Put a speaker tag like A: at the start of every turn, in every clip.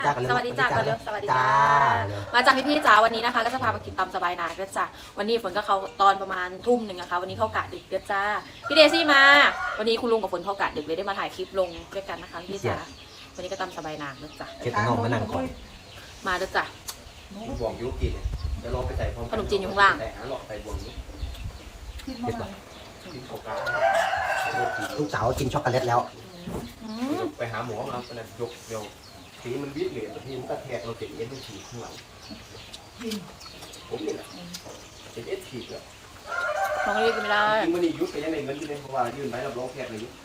A: สวัสดีจ้ากันเร็วสวัสดีจ้ามาจากพี่จ๋าวันนี้นะคะก็จะพามากินตำสบายนาเด้อจ้าวันนี้ฝนก็เขาตอนประมาณทุ่มหนึ่งนะคะวันนี้เข้ากะดึกเด้อจ้าพี่เดซี่มาวันนี้คุณลุงกับฝนเข้ากะดึกเลยได้มาถ่ายคลิปลงด้วยกันนะคะพี่จ๋าวันนี้ก็ตำสบายนาเด้อจ้า
B: เก็บน้องมานั่งก่อน
A: มาเด้อจ้า
C: บวงยุกินเดี๋ยวเราไปใส่พร้อม
A: ขนมจีนอยู่ข้างล่าง
C: แต่หาหลอดใส่บวงยุกินโฟกัส
B: ลูกสาวกินช็อกโกแลตแล้ว
C: ไปหาหมอมาเป็นยกเดี๋ยวสีมันวิดเหรียญทีมันก็แทกเราติดเอ็นฉีกข้างหลังผมนี่แหละเป็นเอ็นฉีกแล้ว
A: น้องเรียกไม่ได้
C: จริงมันนี่ยุบไปยังไงเงินที่ได้เพราะว่ายื่นใบรับรองแพทย์เลยยุบ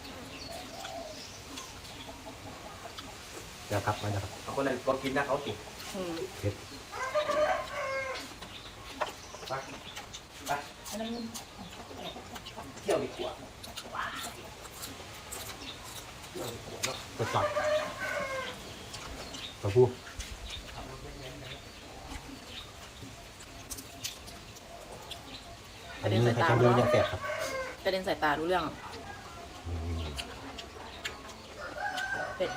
B: เดี๋ยวครับมาเดี๋ยวครับ
C: เอาคนนั้นก็กินนะเขาติดไปไปเที่ยวดีกว่า
B: กดจอดตัวผู้อันนี้ใครเดินยังแสบครับ
A: กระเด็นสายตารู้เรื่องเป็ด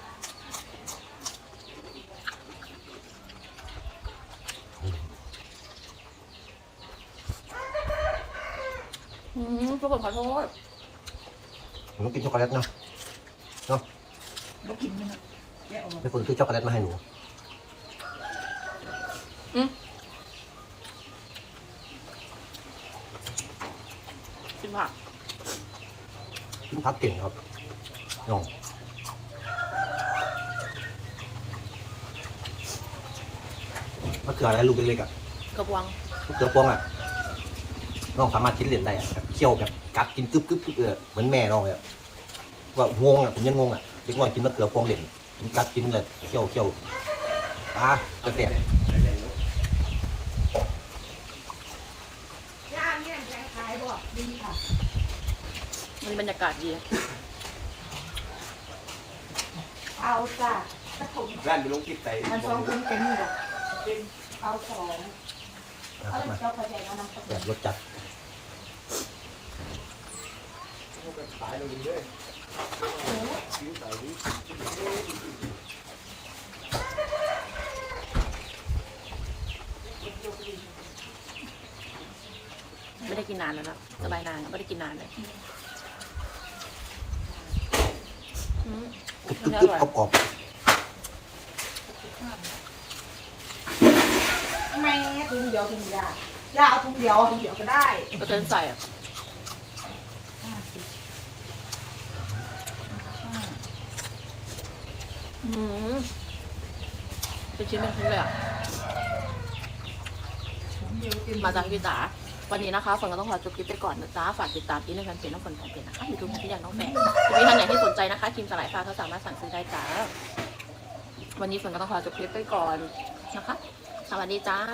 A: ทุกคนขอโทษ
B: หนูกินช็อกโกแลตเนาะไม่ควรซื้อช็อกโกแลตมาให้หนู
A: กินผัก
B: กินพักเก่งครับน้องมะเขืออะไรลูกเล็กๆอ่ะ
A: กระบวง
B: มะเขือพวงอ่ะน้องสามารถกินเหรียญได้อ่ะแบบเคี่ยวแบบกัดกินกึ๊บเหมือนแม่น้องเลยว่างงอ่ะผมยังงงอ่ะเด็กน้อยกินมะเขือพวงเหรียญกินกัดกินเลยเคี่ยวกระเทียม
A: มันบรรยากาศดี
D: เอาจ้ะ
C: ร้านมีลงติดใจ
D: มันสองคนเป็นนี่หรอเอาสองเอาเจ้าประเดี๋ยวน้ำตก
B: แบบรสจัด
C: ขายเราดีเลยชิ้นใส่ดิ
A: ไม่ได้กินนานแล้วนะสบายนานไม่ได้กินนานเลย
B: กึ๊บกรอบ
D: แม่ถุงเดียวย่าเอาถุงเดียวก็ได้
A: ก็เติมใส่อ่ะเป็นชิ้นเป็นชิ้นเลยอ่ะมาจากพี่จ๋าวันนี้นะคะฝนก็ต้องขอจบคลิปไปก่อนนะจ๊ะฝากติดตามที่ในแฟนเพจน้องฝนของเพจนะคะยูทูบที่อยากน้องแฝดจะมีท่านไหนที่สนใจนะคะครีมสลายฟ้าเขาสามารถสั่งซื้อได้จ้าวันนี้ฝนก็ต้องขอจบคลิปไปก่อนนะคะสวัสดีจ้า